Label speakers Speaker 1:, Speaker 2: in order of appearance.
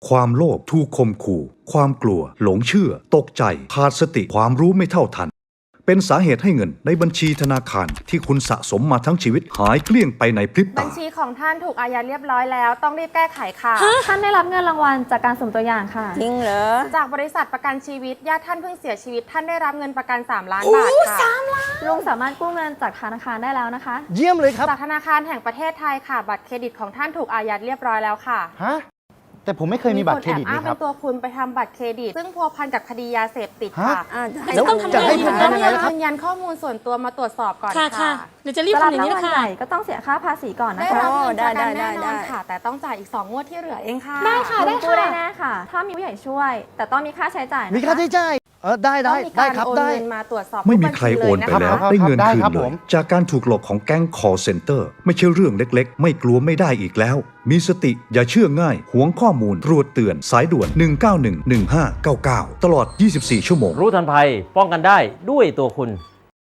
Speaker 1: ความโลภถูกข่มขู่ความกลัวหลงเชื่อตกใจขาดสติความรู้ไม่เท่าทันเป็นสาเหตุให้เงินในบัญชีธนาคารที่คุณสะสมมาทั้งชีวิตหายเกลี้ยงไปในพริบ
Speaker 2: บั
Speaker 1: ตา
Speaker 2: ญชีของท่านถูกอายัดเรียบร้อยแล้วต้องรีบแก้ไขค่ะ
Speaker 3: ท่านได้รับเงินรางวัลจากการสุ่มตัวอย่างค่ะ
Speaker 4: จริงเหรอ
Speaker 2: จากบริษัทประกันชีวิตญาติท่านเพิ่งเสียชีวิตท่านได้รับเงินประกัน3 ล้านบาทค่ะ
Speaker 3: ลุงสามารถกู้เงินจากธนาคารได้แล้วนะคะ
Speaker 5: เยี่ยมเลยครับ
Speaker 2: จากธนาคารแห่งประเทศไทยค่ะ บัตรเครดิตของท่านถูกอายัดเรียบร้อยแล้วค่ะ
Speaker 5: ฮะ แต่ผมไม่เคยมีบัตรเครดิต
Speaker 2: มีคนแอบอ้าง
Speaker 5: นี่ค
Speaker 2: เป็
Speaker 5: รับ
Speaker 2: นตัวคุณไปทำบัตรเครดิต ซึ่งพัวพันกับคดียาเสพติดค่ะ
Speaker 4: แล้วต้องทำ
Speaker 5: จะให้
Speaker 4: ยัง
Speaker 5: ผม
Speaker 4: ไง
Speaker 5: ทำยังไงล่ะครับ
Speaker 2: ยืนยันข้อมูลส่วนตัวมาตรวจสอบก่อน
Speaker 4: ค่ะ
Speaker 2: ค่ะ
Speaker 4: เดี๋ยวจะรีบ
Speaker 3: จะรับ
Speaker 4: ทำอย่าง
Speaker 3: ราง
Speaker 4: นี้
Speaker 3: วั
Speaker 4: นะ
Speaker 3: ล
Speaker 4: คะ
Speaker 3: ใหญ่ก็ต้องเสียค่าภาษีก่อน
Speaker 2: ได้
Speaker 3: นะคะ
Speaker 2: รับเงินประกัน
Speaker 4: ได้
Speaker 2: แน่นอน
Speaker 4: ได้
Speaker 2: ค่ะ แต่ต้องจ่ายอีก2 งวดที่เหลือเองค่ะ
Speaker 4: ได้ค่ะ
Speaker 3: ลุงกู้ได้แน่ค่ะ ถ้ามีผู้ใหญ่ช่วย แต่ต้องมีค่าใช้จ่ายนะคะ
Speaker 5: มีค่าใช้จ่ายได้
Speaker 2: ต้องมี
Speaker 5: ได้
Speaker 2: การ
Speaker 5: ครับ
Speaker 2: โอน
Speaker 5: ได้
Speaker 2: เงินมาตรวจสอบ
Speaker 1: ไม่มีใครโอนไปแล้ว
Speaker 5: ครับ
Speaker 1: ได้เงิน
Speaker 5: ได้
Speaker 1: คืน
Speaker 5: ครับ
Speaker 1: เล
Speaker 5: ผ
Speaker 1: ย
Speaker 5: ม
Speaker 1: จากการถูกหลอกของแก๊ง call center ไม่ใช่เรื่องเล็กๆ ไม่กลัวไม่ได้อีกแล้ว มีสติอย่าเชื่อง่ายหวงข้อมูลตรวจเตือนสายด่วน 191 1599 ตลอด 24 ชั่วโมง
Speaker 6: รู้ทันภัยป้องกันได้ด้วยตัวคุณ